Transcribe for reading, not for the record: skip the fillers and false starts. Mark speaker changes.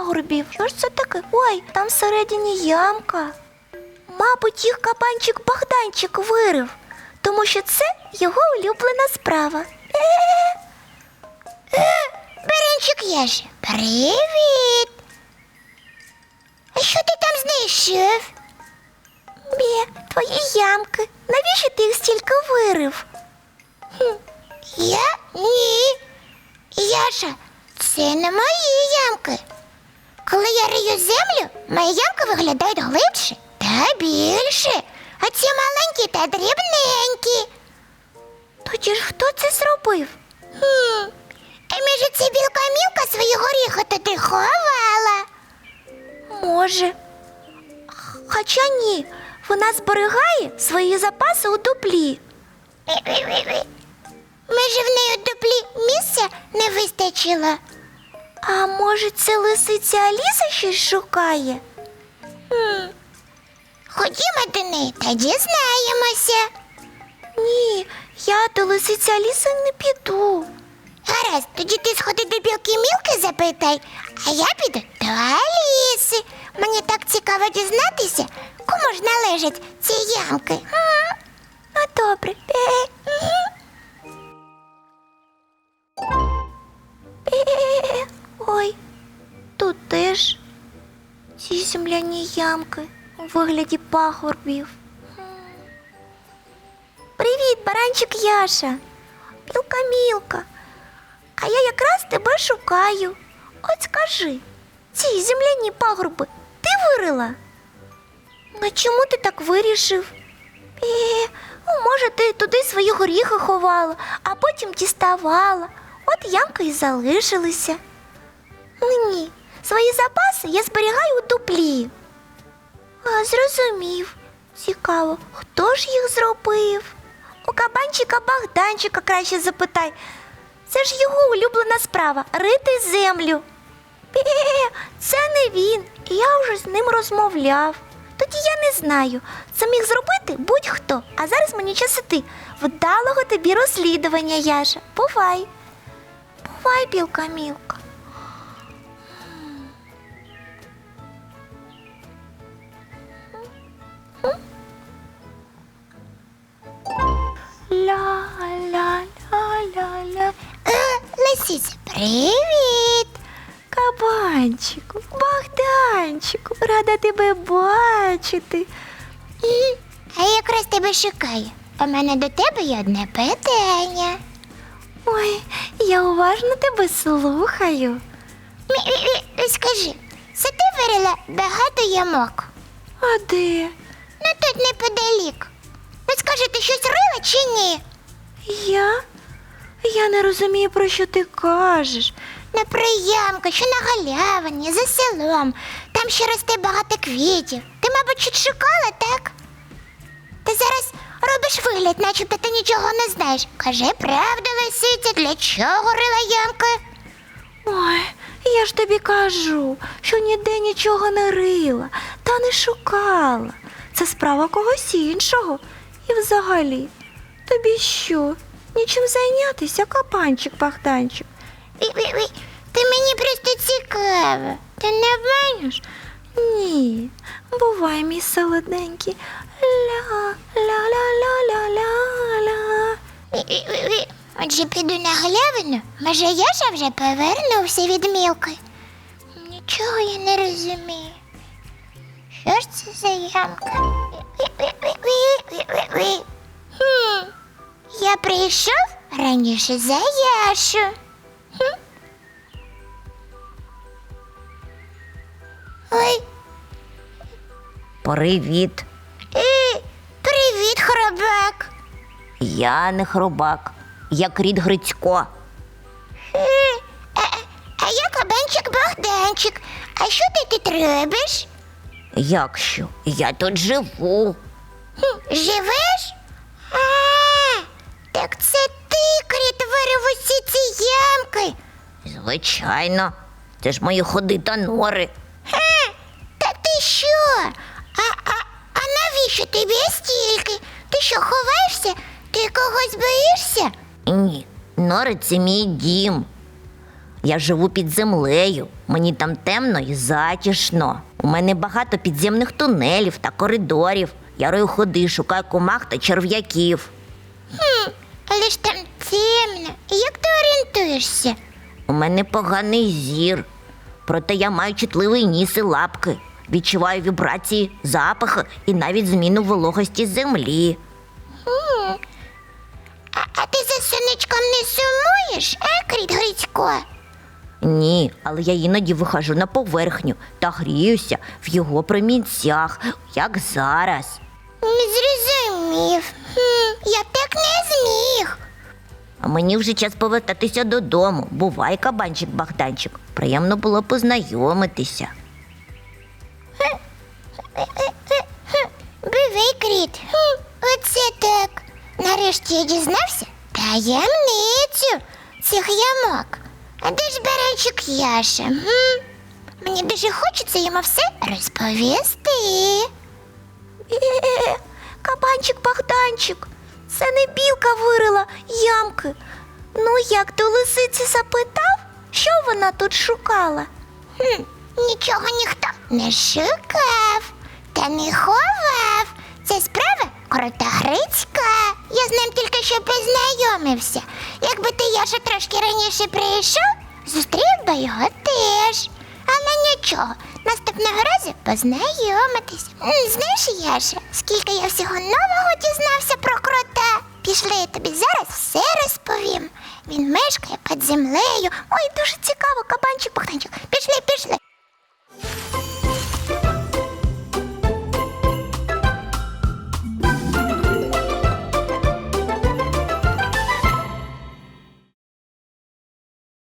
Speaker 1: пагорбів. Що ж це таке? Ой, там всередині ямка. Мабуть, їх кабанчик Богданчик вирив, тому що це його улюблена справа.
Speaker 2: Баранчик Яша, привіт! А що ти там знайшов?
Speaker 1: Твої ямки. Навіщо ти їх стільки вирив?
Speaker 2: Я? Ні. Яша, це не мої ямки. Коли я рию землю, мої ямки виглядають глибше та більше, а ці маленькі та дрібненькі.
Speaker 1: Тоді ж хто це зробив?
Speaker 2: А може це білка Мілка свої горіхи туди ховала?
Speaker 1: Може. Хоча ні, вона зберігає свої запаси у дуплі.
Speaker 2: Може в неї у дуплі місця не вистачило?
Speaker 1: А може це лисиця Аліса щось шукає?
Speaker 2: Ходімо до неї та дізнаємося.
Speaker 1: Ні, я до лисиці Аліси не піду.
Speaker 2: Гаразд, тоді ти сходи до білки Мілки запитай, а я піду до Аліси. Мені так цікаво дізнатися, кому ж належать ці ямки.
Speaker 1: Ну, добре. Ой, тут теж ці земляні ямки у вигляді пагорбів. Привіт, баранчик Яша. Білка Мілка. А я якраз тебе шукаю. От скажи, ці земляні пагорби ти вирила? А чому ти так вирішив? Може, ти туди свої горіхи ховала, а потім діставала. От ямки і залишилися. Ні, свої запаси я зберігаю у дуплі. Зрозумів. Цікаво, хто ж їх зробив? У кабанчика Богданчика краще запитай. Це ж його улюблена справа – рити землю. Це не він, я вже з ним розмовляв. Тоді я не знаю, це міг зробити будь-хто. А зараз мені час іти. Вдалого тобі розслідування, Яша. Бувай. Бувай, білка Мілка. Ля-ля-ля-ля-ля.
Speaker 2: Лисиця, привіт!
Speaker 1: Кабанчику, Богданчику, рада тебе бачити.
Speaker 2: А я якраз тебе шукаю. У мене до тебе є одне питання.
Speaker 1: Ой, я уважно тебе слухаю.
Speaker 2: Скажи, це ти вирила багато ямок?
Speaker 1: А де?
Speaker 2: Ну тут неподалік. Ну скажи, ти щось рила чи ні?
Speaker 1: Я? Я не розумію, про що ти кажеш.
Speaker 2: На приямку, що на галявині, за селом. Там ще росте багато квітів. Ти, мабуть, щось шукала, так? Ти зараз робиш вигляд, начебто ти нічого не знаєш. Кажи правду, лисиця, для чого рила ямки?
Speaker 1: Ой, я ж тобі кажу, що ніде нічого не рила та не шукала. Це справа когось іншого. І взагалі, тобі що, нічим зайнятися, кабанчик Богданчик?
Speaker 2: Ти мені просто цікава. Ти не обманюєш?
Speaker 1: Ні, бувай, мій солоденький. Ля-ля-ля-ля-ля-ля.
Speaker 2: Отже, піду на галявину. Може, Яша вже повернувся від Мілки? Нічого я не розумію. Що ж це за ямка? Я прийшов раніше за Яшу. Ой,
Speaker 3: Привіт.
Speaker 2: привіт, хробак.
Speaker 3: Я не хробак. Я кріт Грицько.
Speaker 2: А я кабанчик Богданчик. А що ти тут робиш?
Speaker 3: Як що? Я тут живу.
Speaker 2: Живеш? Так це ти, кріт, вирив усі ці ямки.
Speaker 3: Звичайно. Це ж мої ходи та нори.
Speaker 2: Та ти що? А навіщо тобі стільки? Ти що, ховаєшся? Ти когось боїшся?
Speaker 3: Ні, нори це мій дім. Я живу під землею, мені там темно і затишно. У мене багато підземних тунелів та коридорів. Я рою ходи, шукаю комах та черв'яків.
Speaker 2: Але ж там темно. Як ти орієнтуєшся?
Speaker 3: У мене поганий зір. Проте я маю чутливий ніс і лапки. Відчуваю вібрації, запахи і навіть зміну вологості землі.
Speaker 2: А ти за сонечком не сумуєш, Кріт Грицько?
Speaker 3: Ні, але я іноді виходжу на поверхню та гріюся в його промінцях, як зараз.
Speaker 2: Не зрозумів. Я б так не зміг.
Speaker 3: А мені вже час повертатися додому. Бувай, кабанчик Богданчик. Приємно було познайомитися.
Speaker 2: Бивий, Кріт. Оце так. Нарешті я дізнався таємницю цих ямок. А де ж баранчик Яша? Мені дуже хочеться йому все розповісти.
Speaker 1: Кабанчик Богданчик, це не білка вирила ямки. Ну, як до лисиці запитав, що вона тут шукала?
Speaker 2: Нічого ніхто не шукав та не ховав. Це справа Крота Грицька. Я з ним тільки що познайомився. Якби ти, Яша, трошки раніше прийшов, зустрів би його теж. Але нічого, наступного разу познайомитись. Знаєш, Яша, скільки я всього нового дізнався про крота. Пішли, я тобі зараз все розповім. Він мешкає під землею.
Speaker 1: Ой, дуже цікаво, кабанчик Богданчик.
Speaker 2: Пішли.